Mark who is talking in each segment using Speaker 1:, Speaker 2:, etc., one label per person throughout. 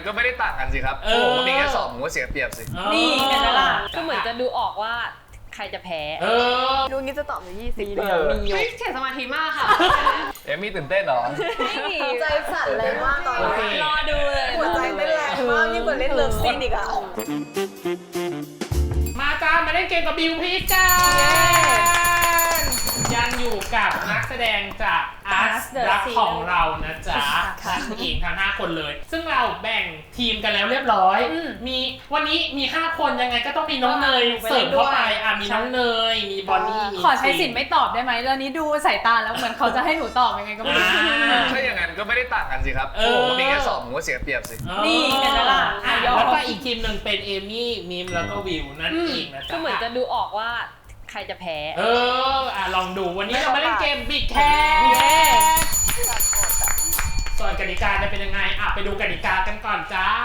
Speaker 1: ก็ไม่ได้ต่างกันสิครับผมก็มีแค่2ผมก็เสียเปรียบสิ
Speaker 2: นี่เห็นไหมล่ะ
Speaker 3: ก็เหมือนจะดูออกว่าใครจะแพ้
Speaker 4: ดูงี้จะตอบใน20
Speaker 3: มีเสียสมาธิมากค่ะ
Speaker 1: เอมี่ตื่นเต้นเหรอ
Speaker 4: ใจสั่นแรงมากตอนนี้
Speaker 3: รอดูเลย
Speaker 4: หัวใจเต้นแรงมากยิ่งกว่าเล่นเลิฟซีนอีกอะ
Speaker 5: มาจ้ามาเล่นเกมกับบิวพีชกันยังอยู่กับนักแสดงจากอาร์ตรักของเรานะจ๊ะทั้งเองทั้ง5คนเลย ซึ่งเราแบ่งทีมกันแล้วเรียบร้อยมีวันนี้มี5คนยังไงก็ต้องมีน้องเนยเสริมเข้าไปมีน้องเนยมีบอนนี่
Speaker 2: ขอใช้สิทธิ์ไม่ตอบได้ไหมตอนนี้ดูสายตาแล้วเหมือนเขาจะให้หนูตอบยังไงก็ไม่รู้
Speaker 1: ถ้าอย่างนั้นก็ไม่ได้ต่างกันสิครับผมก็มีแค่2ผมก็เสียเปรียบสิ
Speaker 2: นี่เห็นไหมล่ะ
Speaker 5: แล้วก็อีกทีมหนึ่งเป็นเอมี่มิมแล้วก็วิวนั่นเองนะจ๊ะ
Speaker 3: ก็เหมือนจะดูออกว่าใครจะแพ้
Speaker 5: ลองดูวันนี้เรามาเล่นเกมบิดแคสส่วนกติกาจะเป็นยังไงไปดูกติกากันก่อนจ้า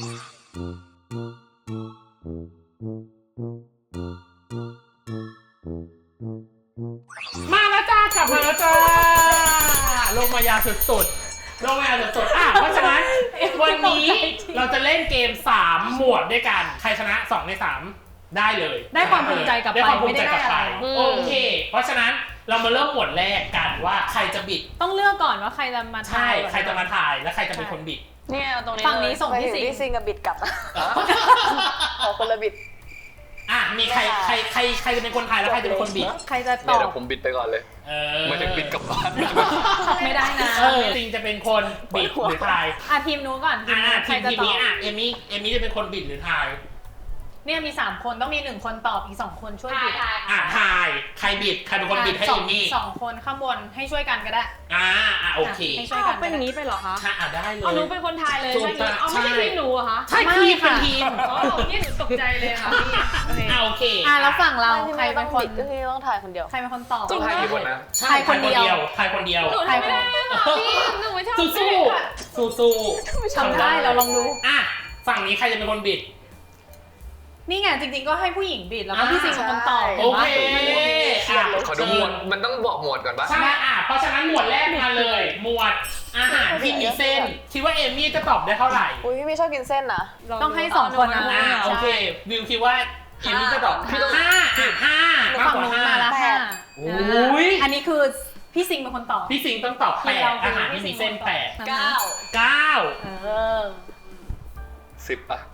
Speaker 5: มาแล้วจ้ากลับมาแล้วจ้าลงมายาสุดๆลงมายาสุดๆเพราะฉะนั้นวันนี้เราจะเล่นเกม3หมวดด้วยกันใครชนะ2ใน3ได้เลย
Speaker 2: ได้ความภูมิใจกลับไป
Speaker 5: ไม่ได้อะไรโอเคเพราะฉะนั้นเรามาเริ่มหมวดแรกกันว่าใครจะบิด
Speaker 2: ต้องเลือกก่อนว่าใครจะมาถ่าย
Speaker 5: ใครจะมาถ่ายและใครจะเป็นคนบิด
Speaker 4: เนี่ยตรงนี้
Speaker 2: ฝั่งนี้ส่งพี่
Speaker 4: ซิงกับบิดกลับขอคนละบิด
Speaker 5: มีใครจะเป็นคนถ่ายแล้วใครจะเป็นคนบิด
Speaker 2: ใครจะตอบ
Speaker 1: เดี๋ยวผมบิดไปก่อนเลยไม่ถึงบิดกลับบ้าน
Speaker 2: ไม่ได้นะ
Speaker 5: จริงจะเป็นคนบิดหรือถ่าย
Speaker 2: ทีมนู้นก่อน
Speaker 5: ทีมนี้เอมี่จะเป็นคนบิดหรือถ่าย
Speaker 2: เนี่ยมี3คนต้องมี1คนตอบอีก2คนช่วยบิด
Speaker 5: ถ่ายใครบิดใครเป็นคนบิดให้เอมี่
Speaker 2: 2คนข้างบนให้ช่วยกันก็ได้
Speaker 5: โอเค
Speaker 2: ให้ช่วยกัน
Speaker 3: เป็นอย่างนี้ไปเหรอคะ
Speaker 5: ได้เลย
Speaker 3: หนูเป็นคนถ่ายเลยใช่ไหมไม่ใช่ทีมหนูอะคะ
Speaker 5: ใช่ทีมเป็นทีม
Speaker 3: นี่หนูตกใจเลยค่ะ
Speaker 5: โอเค
Speaker 2: แล้วฝั่งเราใครเป็นคน
Speaker 4: ก็คือต้องถ่ายคนเดียว
Speaker 2: ใครเป็นคนตอบ
Speaker 1: ต้องถ่ายกี่คนนะ
Speaker 5: ถ่ายคนเดียว
Speaker 3: หนูทำไม่ได้หนูไม่ชอบ
Speaker 5: สู้
Speaker 2: ทำได้เราลองดู
Speaker 5: ฝั่งนี้ใครจะเป็นคนบิด
Speaker 2: นี่ไงจริงๆก็ให้ผู้หญิงบิดแล้วก็พี่ซิงเป็นคนตอบ
Speaker 5: โอเค
Speaker 1: ขอดูหมวดมันต้องบอกหมวดก่อนปะ
Speaker 5: ใช่เพราะฉะนั้นหมวดแรกมาเลยหมวดอาหารที่มีเส้นคิดว่าเอมี่จะตอบได้เท่าไหร่
Speaker 4: พี่ไม่ชอบกินเส้นนะ
Speaker 2: ต้องให้2คน
Speaker 5: โอเควิวคิดว่าเอมี่จะตอบ5มากกว่า
Speaker 2: 5อันนี้คือพี่ซิงเป็นคนตอบ
Speaker 5: พี่ซิงต้องตอบ8อาหารที่มีเส้น8 9
Speaker 1: 10ป่ะ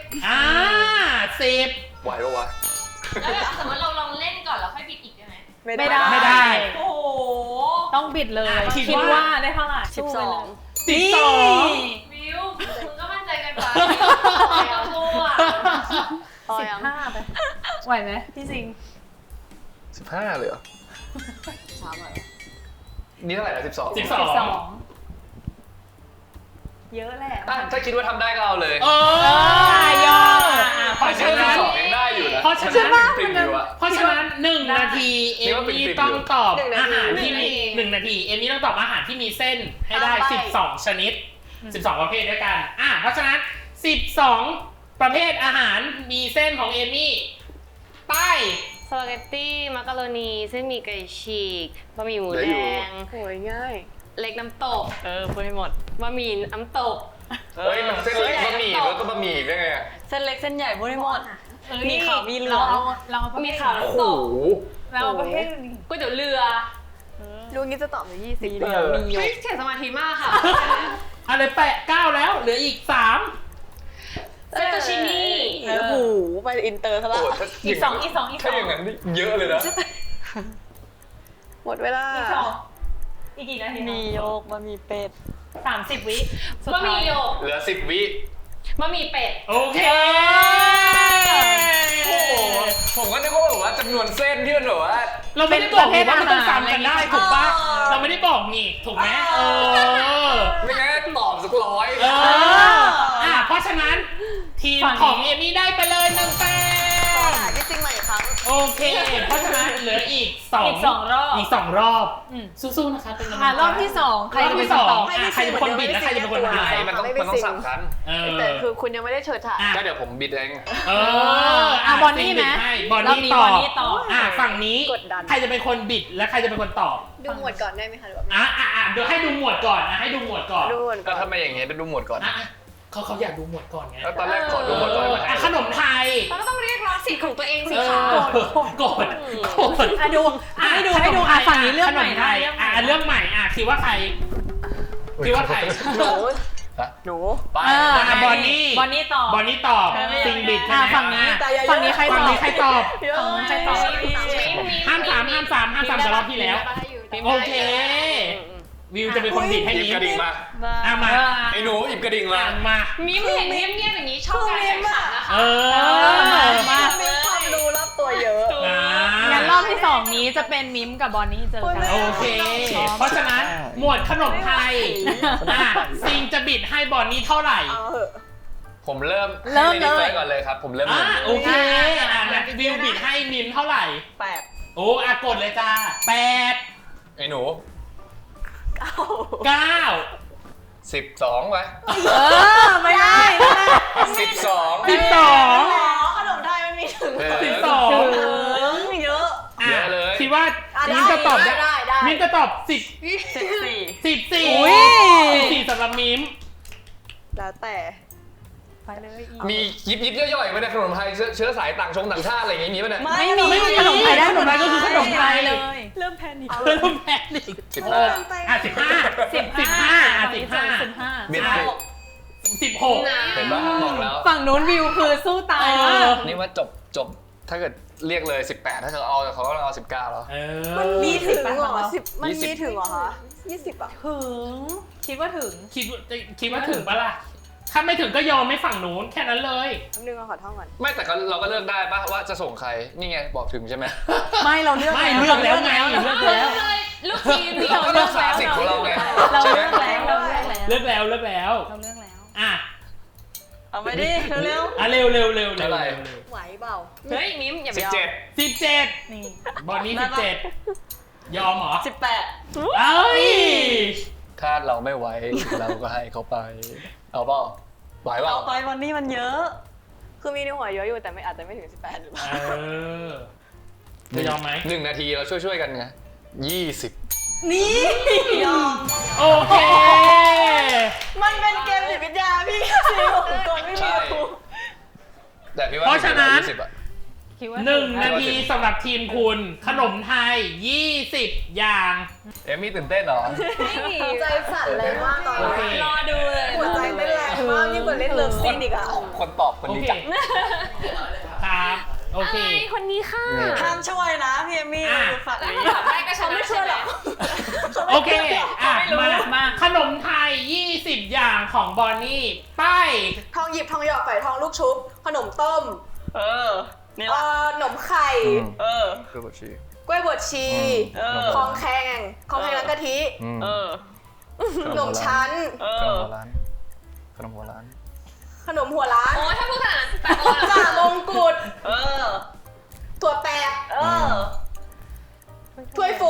Speaker 5: 10
Speaker 1: ไหวปะวะ
Speaker 3: แล้วสมมติเราลองเล่นก่อนแล้วค่อยบิดอีกได้ไหม
Speaker 2: ไม่ได้ โอ้ต้องบิดเลยคิดว่าได้เท่าไหร่
Speaker 5: 12
Speaker 3: วิวมึงก็มั่นใจกันไปเอาตัว
Speaker 2: 15ไปไหวไหมพี่ซิง
Speaker 1: 15เลยเหรอนี่เท่าไหร่นะ
Speaker 5: 12
Speaker 2: เยอะแหละ
Speaker 1: ถ้าคิดว่าทำได้ก็เอาเลย
Speaker 5: ยอ
Speaker 1: เพราะฉะนั้นยังได้อยู่นะ
Speaker 5: เพราะฉะนั้น1 นาทีเอมี่ต้องตอบอาหารที่มี1 นาทีเอมี่ต้องตอบอาหารที่มีเส้นให้ได้12ชนิด12ประเภทด้วยกันเพราะฉะนั้น12ประเภทอาหารมีเส้นของเอมี่ไป
Speaker 3: สปาเกตตี้มักกะโรนีเส้นหมี่ไก่ฉีกบะหมี่หมูแดง
Speaker 4: โอ้ยง่าย
Speaker 3: เล็กน้ำตกพูดให้หมดบะหมี่น้ำตก
Speaker 1: มันเส้นเล็กบะหมี่แล้วก็บะหมี่ได้ไง
Speaker 3: เส้นเล็กเส้นใหญ่พูดให้หมด
Speaker 2: มีขาวมีเหลืองเรา
Speaker 3: มีขาวน้ำตก
Speaker 2: เราประเภท
Speaker 3: ก๋วยเตี๋ยวเรือ
Speaker 4: ดูงี้จะตอบใน20
Speaker 3: มีเสียสมาธิมากค่ะ
Speaker 5: อะไร9แล้วเหลืออีก3
Speaker 3: เฟตตูชินี่
Speaker 4: โอ้โหไปอินเตอร์ซะแล้ว
Speaker 2: อีก2
Speaker 1: ถ้าอย่างนั้นเยอะเลยนะ
Speaker 4: หมดเวลา
Speaker 2: อีกกี่นาที
Speaker 4: มีโยกบะหมี่เป็ด
Speaker 2: 30 วิ
Speaker 3: บะหมี่โยก
Speaker 1: เหลือ10 วิ
Speaker 3: บะหมี่เป็ด
Speaker 5: โอเค
Speaker 1: โอ้ผมก็นึกว่าจำนวนเส้นที่มันแบบว่า
Speaker 5: เราไม่ได้บอกว่ามันต้องซ้ำกันได้ถูกปะเราไม่ได้บอกนี่ถูกไหม
Speaker 1: ไม่งั้นตอบสัก100
Speaker 5: เพราะฉะนั้นทีมของเอมี่ได้ไปเลย1 แต้ม
Speaker 4: พี่ซิงใหม่อีกครั้ง
Speaker 5: โอเคเพราะฉะนั้นเหลืออีก2 รอบสู้ๆนะคะเป็นกำลังใจ
Speaker 2: รอบที่2ใครจะเป็นคนตอบ
Speaker 5: ใครจะเป็นคนบิดและใครจะเป็นคนถ่าย
Speaker 1: มันต้องสับกัน
Speaker 4: แต่คือคุณยังไม่ได้เชิญถ่าย
Speaker 1: ก็เดี๋ยวผมบิดเอง
Speaker 2: บอนนี่ไหม
Speaker 5: บอนนี่ตอบฝั่งนี้ใครจะเป็นคนบิดและใครจะเป็นคนตอบ
Speaker 4: ดูหมวดก่อนได้ไหมคะหรือว่า
Speaker 5: เดี๋ยวให้ดูหมวดก่อนให้ดูหมวดก่อน
Speaker 1: ก็ทำไมอย่างเงี้ยเป็นดูหมวดก่อน
Speaker 5: เขาอยากดูหมวดก่อนไง
Speaker 1: แล้วตอนแรกขอดูหมดก่อนมาให้
Speaker 5: ขนมไทย
Speaker 3: เราก็ต้องเรียกร้องสิทธิ์ของตัวเองสิ
Speaker 5: เอ
Speaker 3: คะ
Speaker 5: อโกรธ
Speaker 2: อ่ะดูให้ดูฝั่งนี้เรื่องใหม่
Speaker 5: ขนไท
Speaker 2: นะ
Speaker 5: ยเรื่องใหม่คิดว่าใครคิดว่าใคร
Speaker 4: หนู
Speaker 1: ฮะ
Speaker 4: หนู
Speaker 1: ไป
Speaker 5: บอนนี่
Speaker 2: บอนนี่ตอบบ
Speaker 5: อนนี่ตอบซิงบิด
Speaker 2: ฝั่งนี้ฝั่งนี้ใครต
Speaker 5: ฝั่ง
Speaker 2: อบ
Speaker 5: นี้ใครตอบ
Speaker 2: ใครตอบ
Speaker 5: ห้ามสามจะรอบที่แล้ว โอเค วิวจะเป็นคนบิดให้
Speaker 1: หยิบ
Speaker 5: นิ้
Speaker 1: กระดิ่งมา
Speaker 5: มา
Speaker 1: ไอ้หนูหยิบกระดิ่งมา
Speaker 5: มา
Speaker 3: มิมเห็นเงียบๆอย่างนี้ชอบการแข่งขันนะคะ
Speaker 2: มา
Speaker 4: มีความรู้รอบตัวเยอะ
Speaker 2: งั้นรอบที่2นี้จะเป็นมิมกับบอนนี่เจอกัน
Speaker 5: โอเค เพราะฉะนั้นหมวดขนมไทยซิงจะบิดให้บอนนี่เท่าไหร่
Speaker 4: เอาเหอะ
Speaker 1: ผมเริ่ม
Speaker 2: เริ่ม
Speaker 1: ให้
Speaker 2: เล
Speaker 1: มินิ
Speaker 2: ย
Speaker 1: เฟิร์สก่อนเลยครับ ผมเริ่มหนึ่ง
Speaker 5: โอเคงั้นวิวบิดให้มิมเท่าไหร่
Speaker 4: 8
Speaker 5: โอ้กดเลยจ้า8
Speaker 1: ไอ้หนู
Speaker 5: 9
Speaker 1: 12ไป
Speaker 2: ไม่ได้
Speaker 1: 12
Speaker 5: 12
Speaker 4: ขนมไทยมันมีถึง
Speaker 5: 12
Speaker 4: เยอะ
Speaker 1: เยอะเลย
Speaker 5: คิดว่ามิมจะตอบ
Speaker 4: ได้
Speaker 5: มิมจะตอบ14สำหรับมิม
Speaker 4: แล้วแต่
Speaker 2: ไปเลย
Speaker 1: มียิบย่อยๆไหมเนี่ยขนมไทยเชื้อสายต่างชาติอะไรอย่างงี้มีป่ะเนี่ย
Speaker 2: ไม่มีขนมไทยได้ขนมไทยก็คือขนมไทยเลย
Speaker 5: เริ่มแพนิค
Speaker 1: 15
Speaker 5: 15
Speaker 1: เบียด
Speaker 5: 16
Speaker 1: เห็นปะบอกแล้ว
Speaker 2: ฝั่งนู้นวิวคือสู้ตายมาก
Speaker 1: นี่ว่าจบถ้าเกิดเรียกเลย18ถ้าเขาก็เอา19แล้ว
Speaker 4: มันมีถึงเหรอ10มันมีถึงเหรอคะ20อ่ะ
Speaker 2: ถึงคิดว่าถึง
Speaker 5: คิดว่าถึงปะล่ะ ถ้าไม่ถึงก็ยอมไม่ฝั่งนู้นแค่นั้นเลย
Speaker 4: นึงขอท่องก่อน
Speaker 1: ไม่แต่เราก็เลือกได้ปะว่าจะส่งใครนี่ไงบอกถึงใช่ไหม
Speaker 2: ไม่เราเลือก
Speaker 5: ไม่เลือกแล้วไงเลือกแล้ว
Speaker 3: ลูกทีมนี่
Speaker 1: เราก็รักษาสิทธิ์ของเราไง
Speaker 2: เรา
Speaker 1: ใช่ไหม
Speaker 2: เลือกแล้ว
Speaker 5: เลือกแล้ว
Speaker 2: เราเลือกแล้ว
Speaker 5: อ่ะ
Speaker 4: เอาไปดิเร็ว
Speaker 5: เร็ว
Speaker 1: เท่าไหร่
Speaker 4: ๆไหวเปล่า
Speaker 3: เฮ้ยมิมอย่าไปยอม
Speaker 5: 17
Speaker 2: นี่
Speaker 5: บอลนี้17 ยอมเหรอ
Speaker 4: 18
Speaker 5: เอ้ย
Speaker 1: ถ้าเราไม่ไหวเราก็ให้เขาไป เอาเปล่าไหวเปล่า
Speaker 4: เอาไปวันนี้มันเยอะ คือมีในหัวเยอะอยู่แต่ไม่อาจจะไม่ถึง18หรือเปล่า
Speaker 5: จะยอมไหม
Speaker 1: 1 นาทีเราช่วยกันไง20
Speaker 4: นี่ยอม
Speaker 5: โอเค
Speaker 4: มันเป็นเกมจิตวิทยาพี่ซีผมก่อนไม่มีครู
Speaker 1: แต่พี่ว่า
Speaker 5: เพราะฉะนั้น
Speaker 1: 20อะ
Speaker 2: คิดว่า
Speaker 5: 1 นาทีสำหรับทีมคุณ ขนมไทย 20 อย่าง
Speaker 1: เอมมี่ตื่นเต้นเหรอ
Speaker 4: ใจสั่นเลยมากตอน
Speaker 5: โอเค
Speaker 4: นี้
Speaker 3: รอดูเลย
Speaker 4: หัวใจเต้นแรงมากยิ่งกว่าเล่นเลิฟซีนอีกอ่ะ
Speaker 1: คนตอบคน
Speaker 5: โอ
Speaker 1: นี้
Speaker 5: เค
Speaker 1: จัง
Speaker 5: ครับ โอเค
Speaker 3: คนนี้ค่ะ
Speaker 4: ห้ามช่วยนะพี่เอมี่
Speaker 5: อ่ะ
Speaker 4: อยู่ฝั่ง
Speaker 3: แล้ว
Speaker 4: นี้
Speaker 3: ถ้าตอบได้ก็ชนะ
Speaker 4: ไม่ช่วยหรอก
Speaker 5: โอเค
Speaker 2: ไม่รู้มา
Speaker 5: ขนมไทย 20 อย่างของบอนนี่ ไป
Speaker 4: ทองหยิบทองหยอดฝอยทองลูกชุบ ขนมต้ม นี่ละขนมไข่
Speaker 1: คือบัญชี
Speaker 4: กล้วยบดชีคองแคงร้านกะทิ ขนมชั้น
Speaker 1: ขนมหัวร้าน
Speaker 4: ขนมหัวร้าน
Speaker 3: โอ้ถ้าพูดขนาดนั้นแต่โดน
Speaker 4: จ่ามงกุฎถั่วแตกถ้วยฟู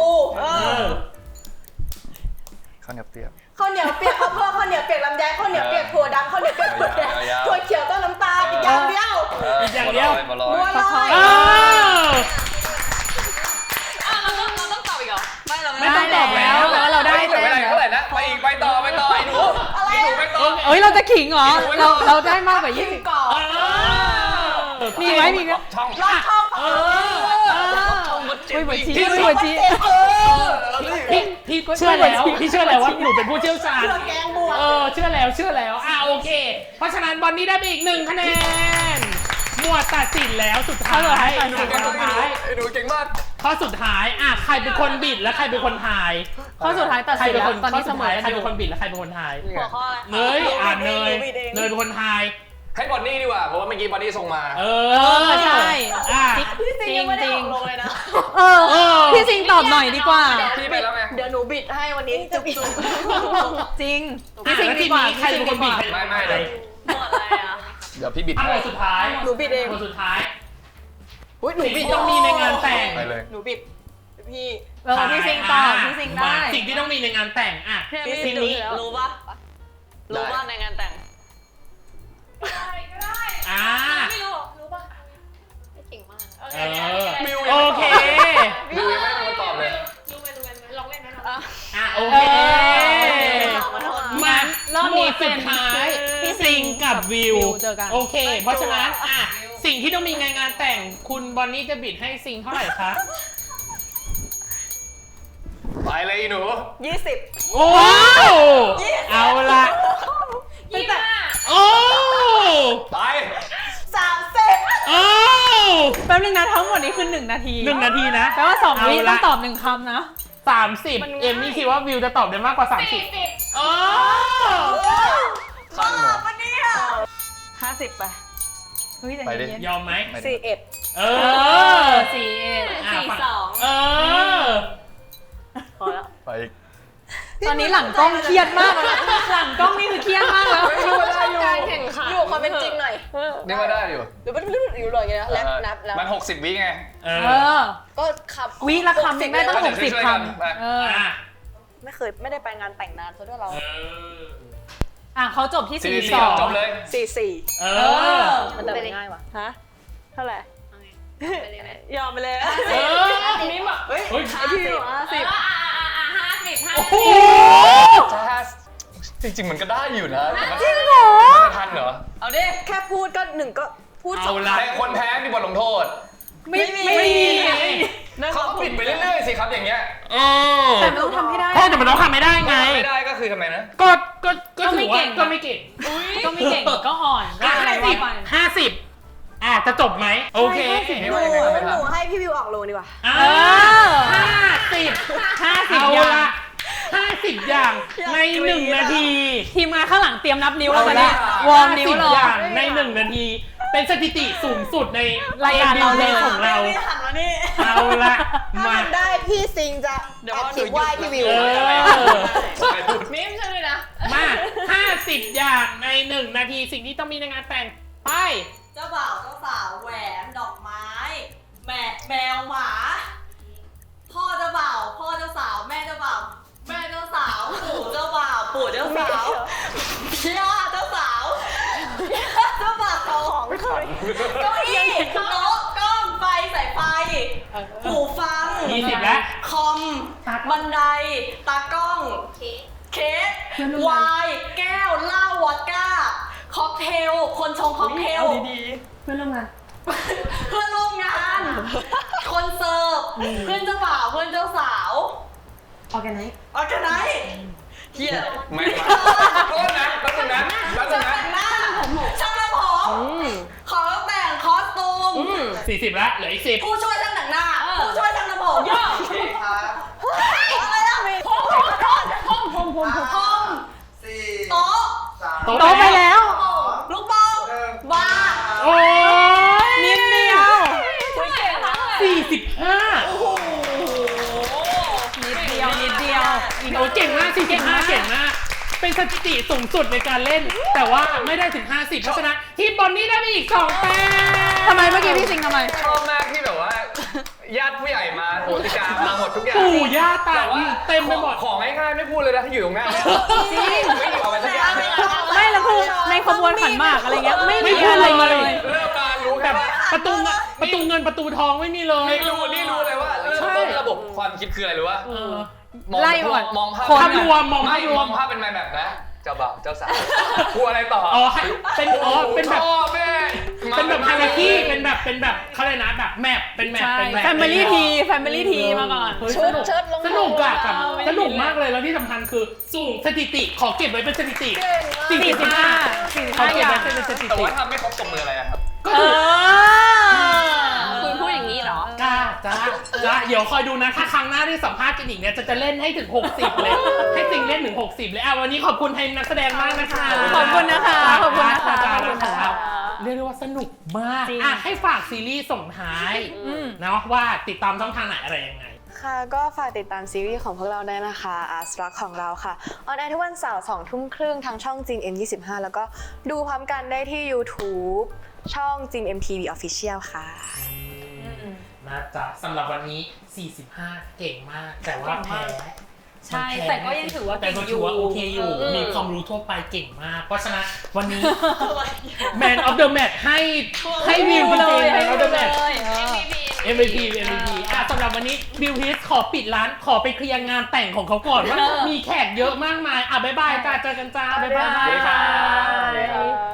Speaker 1: ข้าวเหนียวเปียก
Speaker 4: ข้าวเหนียวเปียกข้าวโพดข้าวเหนียวเปียกลำไยข้าวเหนียวเปียกถั่วดำข้าวเหนียวเปียกถั่วแดง
Speaker 1: ยาวๆ
Speaker 4: ถั่วเขียวต้มน้ำตาลอีกอย่างเดียว
Speaker 5: อีกอย่างเดียว
Speaker 1: บัวลอย
Speaker 4: บัวลอย
Speaker 5: อ้าว
Speaker 3: เราต้องตอบอีกเหรอ
Speaker 5: ไม่ต้องตอบแล้ว
Speaker 2: แต่ว่าเราได้
Speaker 1: ไม่ได้เท่าไหร่นะไปอีกไปต่อไอ้หนูไอ้หนูไปต่อ
Speaker 2: เอ้ยเราจะขิงเหรอเราได้มากกว่า
Speaker 4: กิน
Speaker 2: 20
Speaker 4: ก่อน
Speaker 2: มีไหมมีไหม
Speaker 1: ช่อง
Speaker 4: รอบช่อง
Speaker 2: คุยบทชี้คุยบทชี้
Speaker 5: พี่เชื่อแล้วพี่เชื่อแล้วว่าหนูเป็นผู้เชี่ยวชาญ
Speaker 4: เครื่องแกงบวก
Speaker 5: เชื่อแล้วโอเค เพราะฉะนั้นบอนนี่ได้ไปอีก1 คะแนนหมวดตัดสินแล้วสุดท้าย
Speaker 1: ไอ้หนูเก่งมาก
Speaker 5: ข้อสุดท้ายใครเป็นคนบิดและใครเป็นคนทาย
Speaker 2: ข้อสุดท้ายตัด
Speaker 5: ใคร
Speaker 2: สิน
Speaker 5: เป็น
Speaker 2: แล้
Speaker 5: คว น
Speaker 2: ตอนนี้เสมอ
Speaker 5: ใครเป็นคนบิดและใครเป็นคนทาย
Speaker 4: หัวข้ออะไร
Speaker 5: เนยเนยเป็นคนทาย
Speaker 1: ให้บอนนี่ดีกว่าเพราะว่าเมื่อกี้บอนนี่ส่งมา
Speaker 2: ใช่
Speaker 4: พี่ซิงยังไม่ได้ออกลงเลยนะ
Speaker 2: พี่สิงตอบหน่อยดีกว่า
Speaker 1: พี่ไปแล้วไง
Speaker 4: เดี๋ยวหนูบิดให้วันนี้จุ๊บ
Speaker 2: จริง
Speaker 5: พี่
Speaker 2: พี่
Speaker 5: สิ
Speaker 2: สิ
Speaker 5: ง
Speaker 2: ง
Speaker 5: ดี
Speaker 2: ดี
Speaker 5: ก
Speaker 2: ก
Speaker 5: ว่า
Speaker 2: ว่า
Speaker 5: ใครเป็นคนบิด
Speaker 1: ไม่เลย
Speaker 3: หมดอะไรอ่ะ
Speaker 1: เดี๋ยวพี่บิด
Speaker 5: หม
Speaker 1: ให้
Speaker 5: วดสุดท้าย
Speaker 4: หนูบิดเอง
Speaker 5: หมวดสุดท้าย
Speaker 4: อุ้ยหนูบิด
Speaker 5: ต้องมีในงานแต่ง
Speaker 1: ไปเลย
Speaker 4: หนูบิดพี่
Speaker 2: พี่สิงตอบพี่สิงได้
Speaker 5: สิ่งที่ต้องมีในงานแต่งสิ่งนี้
Speaker 4: รู้ป่ะรู้ป่ะในงานแต่ง
Speaker 3: ไม่รู้ป่ะ
Speaker 4: ไม่เก่งมาก
Speaker 5: โอเค
Speaker 1: ดูยังไม่มีคนตอบเลย
Speaker 3: รู้ไหมลองเล่นไหม
Speaker 5: โอเค
Speaker 4: ขอโทษ
Speaker 5: มา
Speaker 2: รอบ
Speaker 5: หม
Speaker 2: นี้
Speaker 5: วด
Speaker 2: เป็
Speaker 5: สุ
Speaker 2: น
Speaker 5: ดท้าย
Speaker 2: พี่สิง
Speaker 5: กับวิว
Speaker 2: เจอกัน
Speaker 5: โอเค เพราะฉะนั้นสิ่งที่ต้องมีในงานแต่งคุณบอนนี่จะบิดให้ซิงเท่าไหร่คะ
Speaker 1: ไปเลยอีหนู
Speaker 4: 20
Speaker 5: โอ้เอาละ โอ้
Speaker 1: ไป
Speaker 4: 30
Speaker 5: โอ้
Speaker 2: แป๊บนึงนะทั้งหมดนี้คือ1 นาที
Speaker 5: 1 นาทีนะ
Speaker 2: แปลว่า2 วิ
Speaker 5: เอาละ
Speaker 2: ต้องตอบ1 คำนะ
Speaker 5: 30 เอมมี่คิดว่าวิวจะตอบได้มากกว่า 30โอ้
Speaker 1: สั้นเหรอ
Speaker 4: 50 ไป
Speaker 2: เฮ้ยแต่
Speaker 1: ไปดิ
Speaker 2: เย็น
Speaker 5: ยอมไหม
Speaker 4: 41
Speaker 5: เอ
Speaker 2: 41
Speaker 5: เออ
Speaker 4: พอแล้ว
Speaker 1: ไปอีก
Speaker 2: ตอนนี้หลังกล้องเครียดมากเลยหลังกล้องนี่คือเครียดมากแล้ว
Speaker 1: ไม่รู้ว่าได้อยู่
Speaker 3: การแข่งขัน
Speaker 4: อยู่ความเป็นจริงหน่อย
Speaker 1: นี่ว่าได้อยู่
Speaker 4: หรือมันอยู่เลยอย่างเงี้ยแล้วนับแล้ว
Speaker 1: มัน60 วิไง
Speaker 5: เอ
Speaker 2: เอ
Speaker 5: อ
Speaker 2: อ
Speaker 4: ก็ขับ
Speaker 2: วิละคำยังได้ตั้ง
Speaker 1: ก็เดี๋ยวช่วย
Speaker 2: 60
Speaker 1: กัน
Speaker 2: ค
Speaker 1: ไป
Speaker 2: ำเออ
Speaker 4: ไม่ได้ไปงานแต่งนานซะด้วยเรา
Speaker 2: เขาจบที่
Speaker 1: 44จบเลย
Speaker 4: 44
Speaker 5: เอ
Speaker 2: เอ
Speaker 5: อ
Speaker 2: อ
Speaker 4: มันเดินง่ายว่ะฮะเท่าไหร่ยอมไปเลย
Speaker 5: เออ
Speaker 3: นี่บอก
Speaker 4: เฮ้ย
Speaker 5: เฮ้ย
Speaker 4: พี่อยู่50
Speaker 5: โอ้โห
Speaker 1: ถ้าจริงๆมันก็ได้อยู่นะจริงเหรอมันจะทันเหรอ
Speaker 4: เอาดิแค่พูดก็1ก็พูด
Speaker 5: เอาละ
Speaker 1: แต่คนแพ้มีบทลงโทษ
Speaker 2: ไม่มี
Speaker 1: เขาก็ปิดไปเรื่อยๆสิครับอย่างเงี้ย
Speaker 5: เออ
Speaker 2: แต่มันต้องทำให้ได้
Speaker 5: ใช่แต่มันต้องทำไม่ได้ไง
Speaker 1: ไม่ได้ก็คือทำไมนะ
Speaker 5: ก็ถือว่า
Speaker 2: ก็ไม่เก่ง
Speaker 5: ก็ไม่เก่ง
Speaker 2: ก็ไม่เก่งก็อ่อนก็อะไรว่าไป
Speaker 5: 50จะจบไหมโอเค
Speaker 1: ไม่ว่ายังไงก็ไม่ทัน
Speaker 4: หนูให้พี่วิวออกโลดีกว่า
Speaker 5: อ่า
Speaker 2: เออ
Speaker 5: 50เอา
Speaker 2: อย่าง
Speaker 5: ละ50 อย่างใน 1 นาที
Speaker 2: ทีมงานข้างหลังเตรียมนับนิ้วแล้วตอนนี้
Speaker 1: เอาละ
Speaker 2: วอร์มนิ้วรอ
Speaker 5: 50 อย่างใน 1 นาที เป็นสถิติสูงสุดใน
Speaker 2: รายการเราเลย
Speaker 5: ของเรา
Speaker 4: ไม่หันมานี่
Speaker 5: เอาละ
Speaker 4: ถ้า
Speaker 5: มา
Speaker 4: มันได้พี่ซิงจะแอบขีดไหว้พี่วิว
Speaker 5: เออ
Speaker 1: ไปพูด
Speaker 3: มิมใช่ไหมนะ
Speaker 5: มา50 อย่างใน 1 นาทีสิ่งที่ต้องมีในงานแต่งไป
Speaker 6: เจ้าบ่าวเจ้าสาวแหวนดอกไม้แมวหมา พ่อเจ้าบ่าวพ่อเจ้าสาวแม่เจ้าบ่าวแม่เจ้าสาวปู่เจ้าบ่าวปู่เจ้าสาวย่าเจ้าสาวเจ้าบ่าวของเก้าอี้โต๊ะกล้องไฟสายไฟหูฟัง
Speaker 5: 20 แล้ว
Speaker 6: คอมบันไดตากล้องเค้กไวน์แก้วเหล้าวอดก้าค็อกเทลคนชงค็อกเทล
Speaker 2: เพื่อนร่วมงาน
Speaker 6: เพื่อนร่วมงาน คนเสิร์ฟ เพื่อนเจ้าบ่าว เพื่อนเจ้าสาว
Speaker 2: ออแกไนซ์
Speaker 6: ออร์แกไนซ์เฮีย
Speaker 1: ไม่มาโทษนะแป๊บนึงนะแป๊บนึ
Speaker 6: ช่าง
Speaker 1: งนะ
Speaker 6: แต่งหน้าช่างทำผมของแต่งคอสตูม
Speaker 5: 40 แล้วเหลืออีก 10
Speaker 6: ผู้ช่วยช่างแต่งหน้า ผู้ช่วยช่างทำผมอะไรล่ะห้องโต๊ะ
Speaker 5: โต๊ะ
Speaker 2: โต๊ะไปแล้ว
Speaker 6: ลูกบอลบาร์
Speaker 5: โอ้ย
Speaker 2: นิดเดียว
Speaker 5: 45
Speaker 2: นิดเดียวนิดเดียว
Speaker 5: โอ้เก่งมาก45เก่งมาก เป็นสถิติสูงสุดในการเล่น แต่ว่าไม่ได้ถึง 50 เพราะฉะนั้นทีมบอลนี่ได้ไปอีก 2 แต้ม
Speaker 2: ทำไมเมื่อกี้พี่ซิงทำไม
Speaker 1: ชอบมากที่แบบว่าญาติผู้ใหญ่มาโหติกามาหมดทุกอย่าง
Speaker 5: ปู่ย่าตา
Speaker 1: แต่ว่า
Speaker 5: เต็มไปหมด
Speaker 1: ของง่ายๆไม่พูดเลยนะที่อยู่ตรงหน้าเนี่ย
Speaker 2: จริง
Speaker 1: ไม่อยู่เอาไปสักอย่างเลย
Speaker 2: ไม่แล้วคือในขบวนขันหมากอะไรเงี้ยไม่มีอะไรเลย
Speaker 1: เริ่มมารู้
Speaker 5: แบ
Speaker 1: แค่
Speaker 5: บ
Speaker 1: ว่า
Speaker 5: ประตูเงินประตูทองไม่มีเลย
Speaker 1: นี่รู้เลยว่าเริ่มต้นระบบความคิดคืออะไรรู้ป่ะ
Speaker 5: เออ
Speaker 1: มอง
Speaker 2: ไล่ก่อน
Speaker 1: มองภาพ
Speaker 2: คน
Speaker 5: ภาพรวมมอง
Speaker 1: ไม่
Speaker 5: ภาพรว
Speaker 1: ม
Speaker 5: ม
Speaker 1: องภาพเป็นแบบนะเจ้าบ่าวเจ้าสาวพูดอะไรต่อ
Speaker 5: อ๋อเป็นแบบ
Speaker 1: พ่อแม่
Speaker 5: เป็นแบบฮาราคีเป็นแบบเขาเลยกนะแบบแมปเป็นแมป
Speaker 2: ใช่
Speaker 5: เป็นแบบ
Speaker 2: Family Tea Family Tea มาก่อน
Speaker 5: เฮ้ย
Speaker 4: เชิดลง
Speaker 5: สนุกอะ
Speaker 2: เออไม่ได้
Speaker 5: สนุกมากเลยแล้วที่สำคัญคือสูงสถิติขอเก็บไว้เป็นสถิติ
Speaker 2: 45
Speaker 5: ขอเก็บ
Speaker 2: อย่าง
Speaker 5: ไว้เป็นสถิ
Speaker 1: แต่
Speaker 5: ติ
Speaker 1: ว่าทำไม่ครบตบมืออะไรอะครับ
Speaker 5: ก็
Speaker 2: เอ
Speaker 5: ถือ
Speaker 2: อ
Speaker 3: คุณพูดอย่างนี้เหรอ
Speaker 5: จ้าเดี๋ยวคอยดูนะถ้าครั้งหน้าที่สัมภาษณ์กันอีกเนี่ยจะเล่นให้ถึง 60 เลย ให้จริงเล่นถึง 60 เลยวันนี้ขอบคุณทีมนักแสดงมากนะคะ
Speaker 2: ขอบคุณนะคะขอบคุณนะคะ
Speaker 5: ข
Speaker 2: ข
Speaker 5: อ
Speaker 2: อ
Speaker 5: บบ คุ
Speaker 2: คุณ ณ
Speaker 5: นะ
Speaker 2: นะคะ คะ
Speaker 5: เรียกได้ว่าสนุกมาก
Speaker 2: จริง
Speaker 5: ให้ฝากซีรีส์ส่งท้าย
Speaker 2: อืม
Speaker 5: เนาะว่าติดตามช่องทางไหนอะไรยังไง
Speaker 4: ค่ะก็ฝากติดตามซีรีส์ของพวกเราได้นะคะอาร์ตรักของเราค่ะออนแอร์ทุกวันเสาร์2 ทุ่มครึ่งทางช่องจีน M25 แล้วก็ดูพร้อมกันได้ที่ YouTube ช่องจีน MTV Official ค่ะ
Speaker 5: นะจ๊ะสำหรับวันนี้ 45 เก่งมาก แต่ว่าแพ้
Speaker 2: ใช่แต่ก็ยังถือว่า
Speaker 5: แต่
Speaker 2: เก่ง
Speaker 5: ก็
Speaker 2: อ
Speaker 5: ถื
Speaker 2: ยู่
Speaker 5: อว่าโอเคอยู่ มีความรู้ทั่วไปเก่งมาก เพราะฉะนั้นวันนี้ Man of the Match ให้วิวจริงๆ Man of the Match MVP สำหรับวันนี้บิวฮิสขอปิดร้านขอไปเคลียร์งานแต่งของเขาก่อนว่ามีแขกเยอะมากมายบ๊ายบายจ้าเจอกันจ้าบ๊ายบาย
Speaker 1: สวัสดีครับ